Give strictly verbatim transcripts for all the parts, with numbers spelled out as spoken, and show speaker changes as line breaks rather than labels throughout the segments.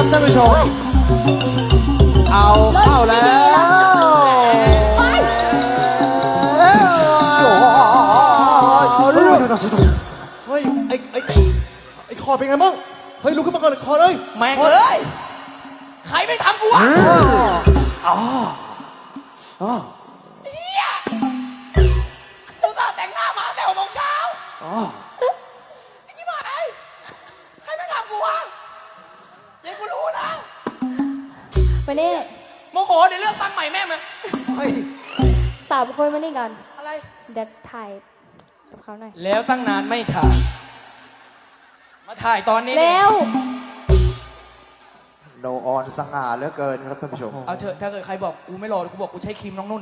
ท่านผู้ชมเอาเข้าแล้ว
ไป
เฮ้ยไอ้ไอ้ไอ้คอเป็นไงบ้างเฮ้ยลุกขึ้นมาก่อนเลยคอเลย
แม่งเอ้ยใครไม่ทำกูวะอ๋ออ๋อเฮียกูจะแต่งหน้ามาแต่หกโมงเช้าอ๋อไอ้ที่หมายใครไม่ทำกูวะเดี๋ยวกูรู้นะ
มานี่
โมโหเดี๋ยวเลือกตั้งใหม่แม่มึงเฮ้ย
สามคนมานี่กัน
อะไร
เดี๋ยวถ่ายกับเขาหน่อย
แล้วตั้งนานไม่ถ่ายมาถ่ายตอนนี้
เร็ว
โนออนสง่าเหลือเกินครับท่านผู้ชม
เอาเถอะถ้าเกิดใครบอกกูไม่รอกูบอกกูใช้ครีมน้องนุ่น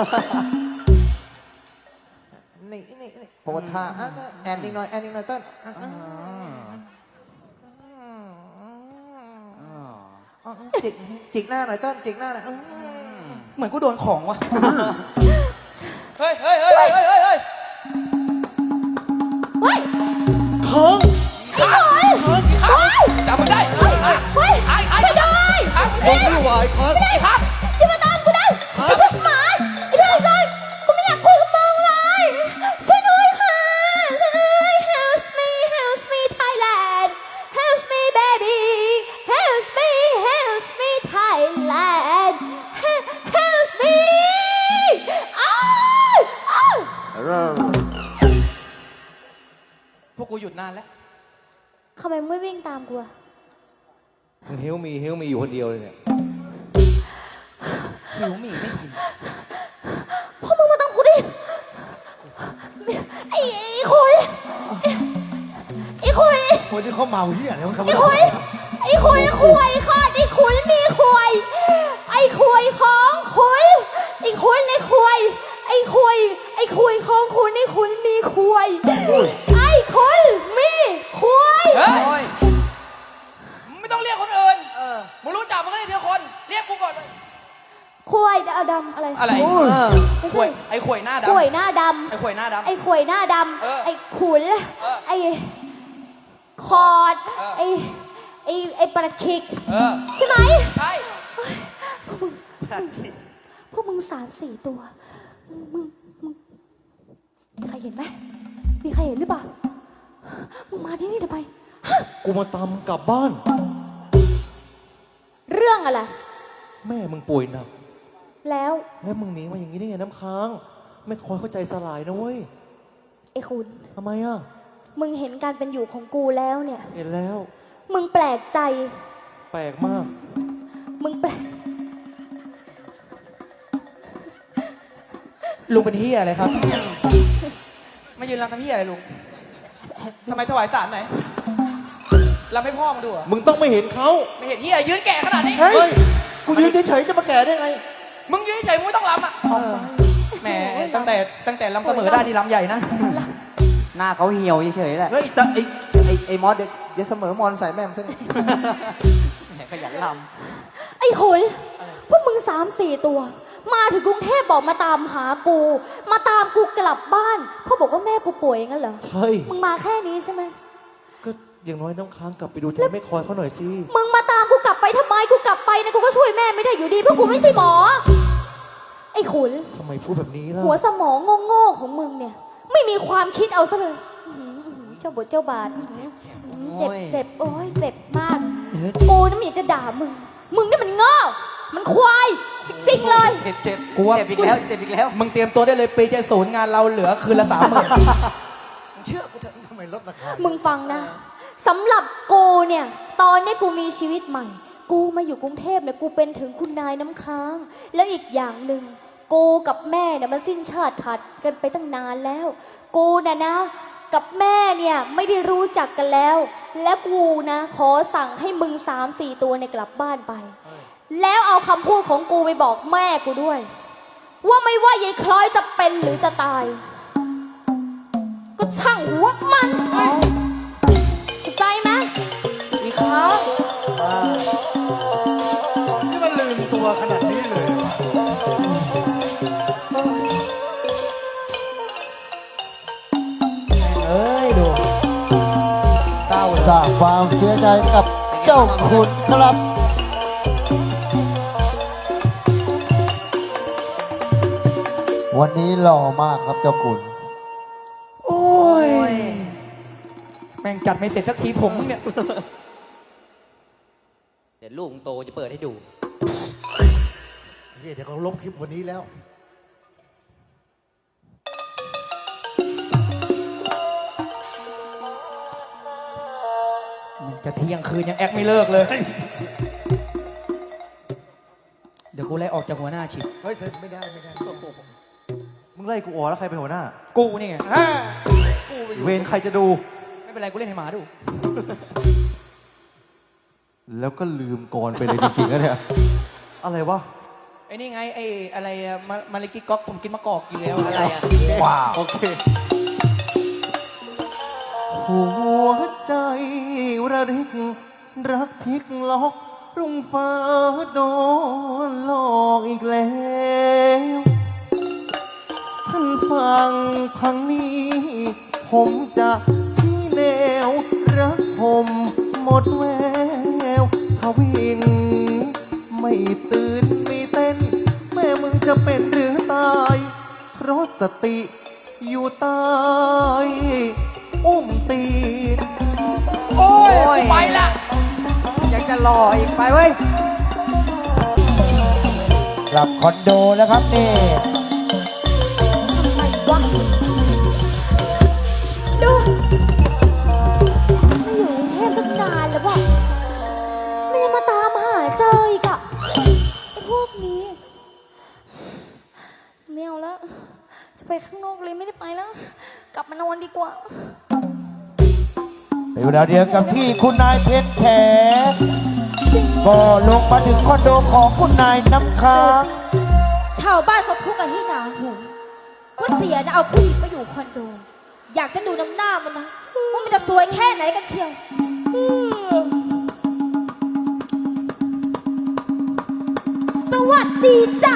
นี่นี่นี่โพสท่าแอนนิงหน่อยแอนนิงหน่อยเต้นจิกจิกหน้าหน่อยเต้นจิกหน้าหน่อย
เหมือนกูโดนของวะเฮ้ยเฮ้ยเฮ้ยเฮ้ยเฮ้ยเฮ้ยเฮ้ย
เคิง
ข้างข้างจับมันได้เฮ้ยเฮ้ยเฮ้ยเฮ้ยไม่ได้ข้าง
ไม่ไม่ไหวเคิง
ไม่ได้ข้าง
อย่ามาตามกูได้ไอ้พวกหมาไอ้พวกซอยกูไม่อยากคุยกับมึงเลยช่วยด้วยค่ะช่วยด้วย Help me Help me Thailand Help me baby Help me Help me Thailand Help me อ้าวอ้าว
พวกกูหยุดนานแล้ว
ทำไมไม่วิ่งตามกูอะ
มึงหิวมีหิวมีอยู่คนเดียวเลยเนี่ย
หิวมีไม่กิน
พวกมึงมาตามกูดิไอ้ไอ้คุยไอ้คุย
คนที่เขาเมาเหี้ยแล้วเขา
ไอ้คุยไอ้คุยคุยค่ะไอ้คุยมีคุยไอ้คุยของคุยไอ้คุยในคุยไอ้คุยไอ้คุยของคุณไอ้คุยมีคุยไอ้คุยมีคุย
เฮ้ยไม่ต้องเรียกคนอื่นมึงรู้จักมึงก็เรียกทีละคนเรียกกูก่อนเลย
คุยดำดำอะไร
อะไรคุยไอ้คุยหน้าดำ
คุยหน้าดำ
ไอ้คุยหน้าดำ
ไอ้คุยหน้าดำไอ้ขุนไอ้คอดไอ้ไอ้ไอ้ปลาคิกใช่ไหม
ใช่
พวกมึงสามสี่ตัวมึงมึงมีใครเห็นไหมมีใครเห็นหรือเปล่ามึงมาที่นี่ทำไม
กูมาตามกลับบ้าน
เรื่องอะไร
แม่มึงป่วยหนัก
แล้ว
แล้วมึงหนีมาอย่างนี้ได้ไงน้ำค้างไม่คอยเข้าใจสลายนะเว้ย
ไอ้คุณ
ทำไมอ่ะ
มึงเห็นการเป็นอยู่ของกูแล้วเนี่ย
เห็นแล้ว
มึงแปลกใจ
แปลกมาก
มึงแปลก
ลุงเป็นเฮียอะไรครับมายืนรำทำเฮียอะไรลุงทำไมถวายสารไหนรำให้พ่อมาดูอ่ะ
มึงต้องไม่เห็นเขา
ไม่เห็นเฮียยืนแก่ขนาดนี้
เฮ้ยกูยืนเฉยๆจะมาแก่ได้ไง
มึงยืนเฉยมึงไม่ต้องรำอ่ะแหมตั้งแต่ตั้งแต่รำเสมอได้ที่รำใหญ่นะหน้าเขาเหี่ยวเฉยๆแหละ
เฮ้ยแต่ไอ้ไอ้ไอ้มอสเดี๋ยวเสมอมอนใส่แม่มซะนี่
ขยันร
ำไอ้ขุนพวกมึงสามสี่ตัวมาถึงกรุงเทพบอกมาตามหากูมาตามกูกลับบ้านเขาบอกว่าแม่กูป่วยงั้นเหรอ
ใช่
มึงมาแค่นี้ใช่ไหม
ก็อย่างน้อยน้ำค้างกลับไปดูแทนไม่คอยเขาหน่อยสิ
มึงมาตามกูกลับไปทำไมกูกลับไปนะกูก็ช่วยแม่ไม่ได้อยู่ดีเพราะกูไม่ใช่หมอไอ้ขุน
ทำไมพูดแบบนี้ล่ะ
หัวสมองโง่ๆของมึงเนี่ยไม่มีความคิดเอาซะเลยเจ้าบทเจ้าบาทเจ็บเจ็บโอ้ยเจ็บมากกูนี่มันอยากจะด่ามึงมึงนี่มันโง่มันควายจริงๆเลย
เจ็บเจ็บกูเจ็บอีกแล้วเจ็บอีกแล้วมึงเตรียมตัวได้เลยปีเจ็ดศูนย์งานเราเหลือคืนละสามหมื่น
มึงเชื่อกูเถอะทำไมลดราคา
มึงฟังนะสำหรับกูเนี่ยตอนนี้กูมีชีวิตใหม่กูมาอยู่กรุงเทพเนี่ยกูเป็นถึงคุณนายน้ำค้างแล้วอีกอย่างหนึ่งกูกับแม่เนี่ยมันสิ้นชาติขาดกันไปตั้งนานแล้วกูน่ะนะกับแม่เนี่ยไม่ได้รู้จักกันแล้วและกูนะขอสั่งให้มึงสามสี่ตัวเนี่ยกลับบ้านไปแล้วเอาคำพูดของกูไปบอกแม่กูด้วยว่าไม่ว่ายายคล้อยจะเป็นหรือจะตายก็ช่างหัวมันเข้าใจไหม
อีกครั้ง
นี่มันลืมตัวขนาดนี้เลย
เอ้ยดูเศร้า
สร้างความเสียใจกับเจ้า
ขุนครับ วันนี้หล่อมากครับเจ้าขุน
โอ้ย แม่งจัดไม่เสร็จสักทีผมมึงเนี่ย เดี๋ยวลูกมึงโตจะเปิดให้ดู
เดี๋ยวเขาลบคลิปวันนี้แล้ว
จะเที่ยงคืนยังแอคไม่เลิกเลย เดี๋ยวกูไล่ออกจากหัวหน้าชิบ
เฮ้ยเซ็นไม่ได้ไม่ได้ มึงไล่กูออกแล้วใครเป็นหัวหน้า
กูนี่ไง
เวรใครจะดู
ไม่เป็นไรกูเล่นให้หมาดู
แล้วก็ลืมก่อนไปเลยจริงๆแล้วเนี่ย อะไรวะ
ไอ้นี่ไงไอ้อะไรอะมามาลิกิก๊อกผมกินมะกอกกินแล้วอะไรอะ
ว้าว โอเค หัวใจระริก รักพลิกล็อกรุ่งฟ้าโดนหลอกอีกแล้ว ท่านฟังทางนี้ ผมจะชี้แนว รักผมหมดแววทวิน ไม่ตื่นไม่เต้น แม่มึงจะเป็นหรือตาย เพราะสติอยู่ใต้อุ้มตีน
โอ้ยกูไปละ
ยังจะหล่ออีกไปเว้ย กลับคอนโดแล้วครับนี่
อะไรวะดูไม่อยู่กรุงเทพตั้งนานแล้วบอกมันยังมาตามหาเจออีกอะไอ้พวกนี้ไม่เอาแล้ว จะไปข้างนอกเลยไม่ได้ไปแล้ว กลับมานอนดีกว่า
เป็นเวลาเดียวกับที่คุณนายเพชรแขก็ลงมาถึงคอนโดของคุณนายน้ำค้าง
ชาวบ้านเขาพูดกันให้หนาหูว่าเสียนะเอาผู้หญิงมาอยู่คอนโด อยากจะดูน้ำหน้ามันนะว่ามันจะสวยแค่ไหนกันเชียวสวัสดีจ้ะ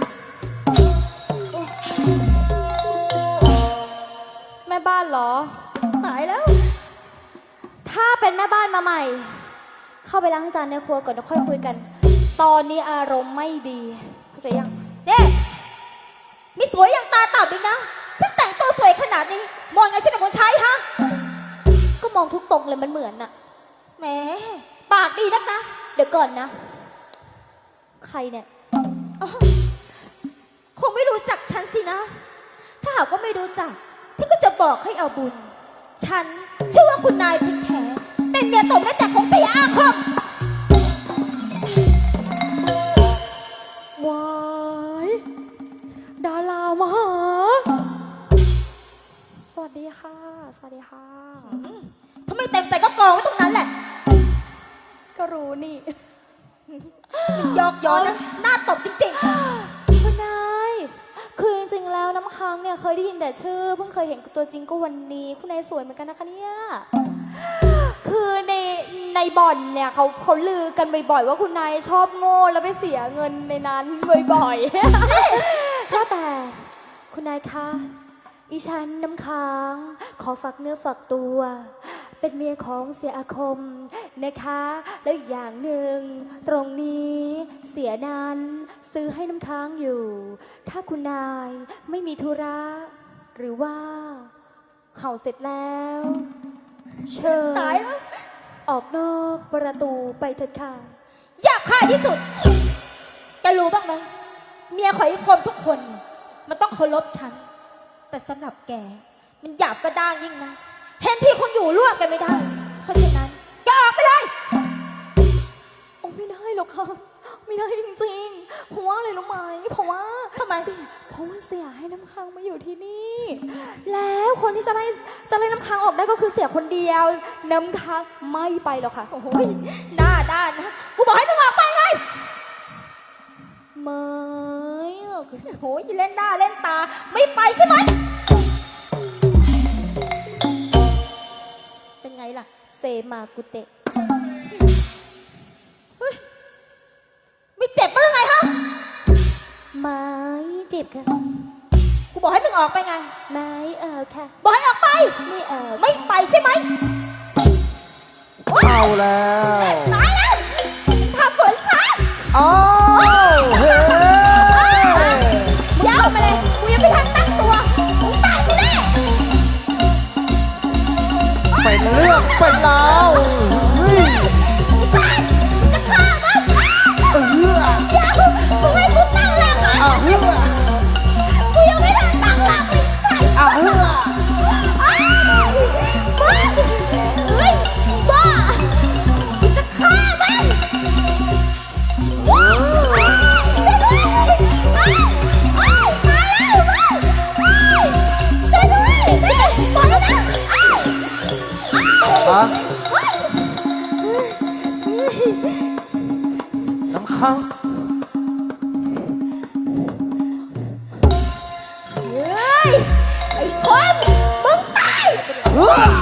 แม่บ้านเหรอตายแล้ว ถ้าเป็นแม่บ้านมาใหม่ เข้าไปล้างจานในครัวก่อนแล้วค่อยคุยกัน ตอนนี้อารมณ์ไม่ดีเข้าใจยังเนี่ยมีสวยอย่างตาต่ำอีกนะฉันแต่งตัวสวยขนาดนี้มองไงฉันเป็นคนใช้ฮะก็มองทุกตรงเลยมันเหมือนน่ะแหมปากดีนักนะเดี๋ยวก่อนนะ ใครเนี่ยอ๋อคงไม่รู้จักฉันสินะ ถ้าหากว่าไม่รู้จักฉันก็จะบอกให้เอาบุญฉันชื่อว่าคุณนายเพ็ญแขเป็นเมียตบแม่แต่ของเสียอาคมว้ายดารามาหาสวัสดีค่ะ สวัสดีค่ะทำไมเต็มใจก็กองไว้ตรงนั้นแหละ ก็รู้นี่ ยอกย้อนนะหน้าตบจริงๆคุณนายคือจริงๆแล้วน้ำค้างเนี่ยเคยได้ยินแต่ชื่อเพิ่งเคยเห็นตัวจริงก็วันนี้คุณนายสวยเหมือนกันนะคะเนี่ยคือในในบ่อนเนี่ยเขาเขาลือกันบ่อยๆว่าคุณนายชอบโง่แล้วไปเสียเงินในนั้นบ่อยๆ ก็แต่คุณนายคะอีฉันน้ำค้างขอฝากเนื้อฝากตัว เป็นเมียของเสียอาคมนะคะแล้วอีกอย่างหนึ่งตรงนี้เสียนั้นซื้อให้น้ำค้างอยู่ ถ้าคุณนายไม่มีธุระหรือว่าเห่าเสร็จแล้วเชิญตายแล้วออกนอกประตูไปเถิดค่ะอยากฆ่าที่สุดแกรู้บ้างไหมเมียของไอ้คมทุกคนมันต้องเคารพฉันแต่สำหรับแกมันหยาบกระด้างยิ่งนะเห็นที่คนอยู่ร่วมกันไม่ได้เพราะฉะนั้นแกออกไปเลยโอ้ไม่ได้หรอกค่ะไม่ได้จริงๆเพราะว่าอะไรรู้ไหมเพราะว่าทำไมเพราะว่าเสียให้น้ำค้างมาอยู่ที่นี่แล้วคนที่จะไล่จะไล่น้ำค้างออกได้ก็คือเสียคนเดียวน้ำค้างไม่ไปหรอกค่ะโอ้ยหน้าด้านนะกูบอกให้มึงออกไปไงไม่โอ้ยเล่นหน้าเล่นตาไม่ไปใช่ไหมเป็นไงล่ะเซมากุเตะเฮ้ยไม่เจ็บมั้ยไงฮะไม่เจ็บค่ะกูบอกให้มึงออกไปไงไม่เออค่ะบอกให้ออกไปไม่เออไม่ไปใช่ไหม
เอาแล้ว
ตายแล้ว
ค้าง
เฮ้ย ไอ้คนมึงตาย
เฮ้ย